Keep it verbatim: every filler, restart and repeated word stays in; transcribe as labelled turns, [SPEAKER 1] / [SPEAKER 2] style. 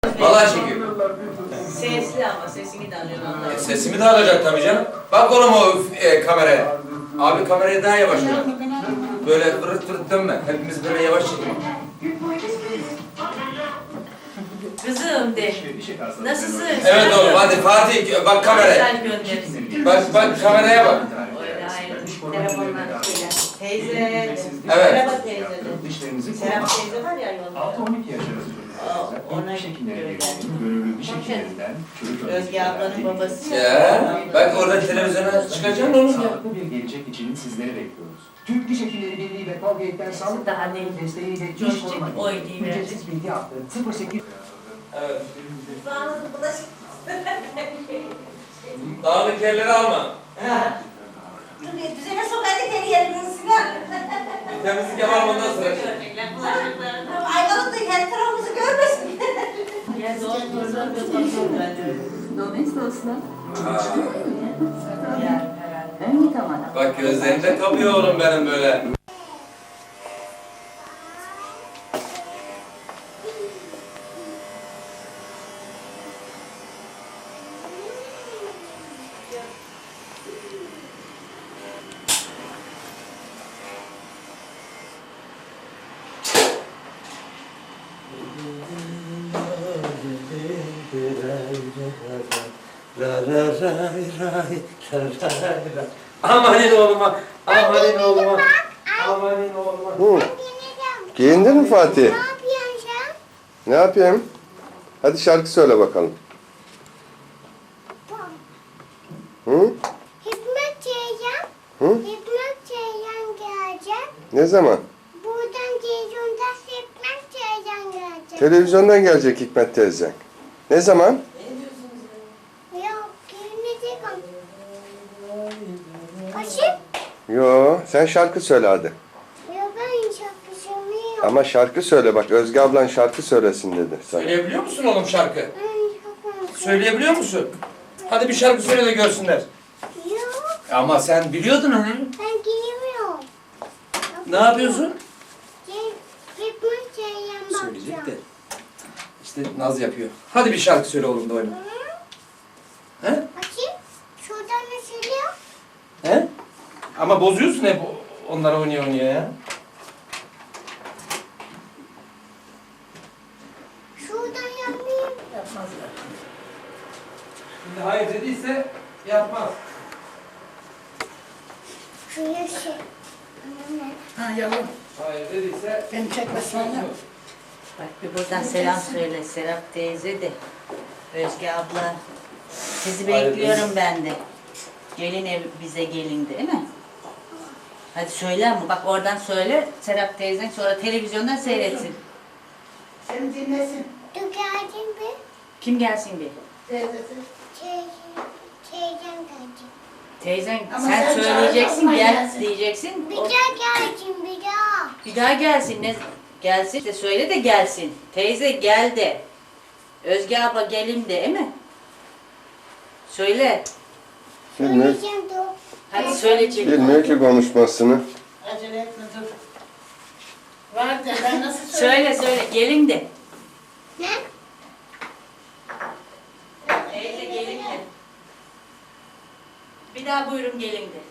[SPEAKER 1] Vallahi çekiyor.
[SPEAKER 2] Sesli ama sesini de alıyorsun ondan.
[SPEAKER 1] E, sesimi de alacak tabii canım. Bak oğlum o e, kameraya. Abi kamerayı daha yavaş ver. Böyle fırıt fırıt dönme. Hepimiz böyle yavaş çekelim.
[SPEAKER 2] Kızım de. Nasılsın?
[SPEAKER 1] Evet oğlum hadi Fatih bak kameraya.
[SPEAKER 2] Mesaj göndersin.
[SPEAKER 1] Bak bak kameraya bak.
[SPEAKER 2] Öyle hayır. Telefonlar. Teyze.
[SPEAKER 1] Evet.
[SPEAKER 2] Merhaba teyze. Serap teyze var ya yolda.
[SPEAKER 3] altı on iki yaş arası çocuklar
[SPEAKER 2] Ona
[SPEAKER 3] ilk şekillere
[SPEAKER 2] göre
[SPEAKER 3] geldiğini gönüllü diş hekimlerinden çocuk
[SPEAKER 2] Özge ablanın babası.
[SPEAKER 1] Ya bak orada televizyona çıkacaksın oğlum ya.
[SPEAKER 3] sağlıklı bir gelecek için sizleri bekliyoruz. Türk Diş Hekimleri Birliği ve Colgate'den sağlık
[SPEAKER 2] Daha
[SPEAKER 3] daha
[SPEAKER 2] değil.
[SPEAKER 3] desteğiyle
[SPEAKER 2] Coşacak,
[SPEAKER 3] diş korumak
[SPEAKER 2] oy
[SPEAKER 3] için
[SPEAKER 2] diye
[SPEAKER 3] ücretsiz bilgi hattı sıfır sekiz.
[SPEAKER 1] Evet. Dağınık yerleri alma.
[SPEAKER 4] Düzene sok hadi geri yerinin Sinan.
[SPEAKER 1] Temizlik yapalım ondan sonra.
[SPEAKER 4] Ayvalık da kendi tarafımızı görmesin.
[SPEAKER 2] Ya zor zor zor zor bence.
[SPEAKER 5] Domestos'la
[SPEAKER 2] Yani herhalde.
[SPEAKER 5] ön tamam.
[SPEAKER 1] Bak gözlerinde kapıyor oğlum benim böyle. Amanin oğluma, amanin oğluma, amanin oğluma.
[SPEAKER 6] Hı. Giyindin mi Fatih?
[SPEAKER 4] Ne yapıyorsun sen?
[SPEAKER 6] Ne yapayım? Hadi şarkı söyle bakalım. Hı?
[SPEAKER 4] Hikmet Ceylan.
[SPEAKER 6] Hı?
[SPEAKER 4] Hikmet Ceylan gelecek.
[SPEAKER 6] Ne zaman?
[SPEAKER 4] Buradan televizyonda Hikmet Ceylan gelecek.
[SPEAKER 6] Televizyondan gelecek Hikmet teyze. Ne zaman?
[SPEAKER 4] Yok, gelmeyecek ama. Aşık.
[SPEAKER 6] Yo, sen şarkı söyle hadi.
[SPEAKER 4] Yok, ben şarkı söylemiyorum.
[SPEAKER 6] Ama şarkı söyle bak, Özge ablan şarkı söylesin dedi sana.
[SPEAKER 1] Söyleyebiliyor musun oğlum şarkı?
[SPEAKER 4] Ben şarkı
[SPEAKER 1] Söyleyebiliyor musun? Hadi bir şarkı söyle de görsünler.
[SPEAKER 4] Yok,
[SPEAKER 1] Ama sen biliyordun onu.
[SPEAKER 4] ben giyemiyorum.
[SPEAKER 1] Ne yapıyorsun?
[SPEAKER 4] Hikmet Ceylan
[SPEAKER 1] Söyleyecek de.
[SPEAKER 4] bakacağım.
[SPEAKER 1] İşte naz yapıyor. Hadi bir şarkı söyle oğlum da oyna. He?
[SPEAKER 4] Açayım. Şuradan ne söylüyor?
[SPEAKER 1] He? Ama bozuyorsun hep onlara oynaya oynaya ya.
[SPEAKER 4] Şuradan yapmayayım.
[SPEAKER 2] Yapmazlar.
[SPEAKER 1] Şimdi hayır dediyse yapmaz.
[SPEAKER 4] Şu yaşı. Anne.
[SPEAKER 2] Ha yavrum.
[SPEAKER 1] Hayır dediyse...
[SPEAKER 2] Beni çekmesin Bak bir buradan selam söyle Serap teyze de. Özge abla. Sizi
[SPEAKER 1] Hayır,
[SPEAKER 2] bekliyorum ben de. Gelin ev bize gelin değil mi? Hadi söyle ama bak oradan söyle Serap teyzen sonra televizyondan seyretsin.
[SPEAKER 7] Seni dinlesin.
[SPEAKER 4] Dur geldin bir.
[SPEAKER 2] Kim gelsin bir?
[SPEAKER 7] Teyzesi.
[SPEAKER 4] Teyze, teyzem gelecek.
[SPEAKER 2] Teyzen
[SPEAKER 7] Ama
[SPEAKER 2] sen,
[SPEAKER 7] sen
[SPEAKER 2] söyleyeceksin
[SPEAKER 7] çağırma,
[SPEAKER 2] gel
[SPEAKER 7] gelsin.
[SPEAKER 2] diyeceksin.
[SPEAKER 4] Bir
[SPEAKER 2] O-
[SPEAKER 4] daha gelecek bir daha.
[SPEAKER 2] bir daha gelsin ne gelsin işte söyle de gelsin. Teyze gel de. Özge abla gelin de değil mi? Söyle.
[SPEAKER 6] Bilmiyor,
[SPEAKER 4] Söyleyeceğim dur.
[SPEAKER 2] Hadi söyle çek.
[SPEAKER 6] bilmiyor ki konuşmasını.
[SPEAKER 7] Acele etme dur. Var de ben nasıl söyleyeyim?
[SPEAKER 2] Söyle söyle gelin de.
[SPEAKER 4] Ne?
[SPEAKER 2] Teyze gelin de. Bir daha buyurun gelin de.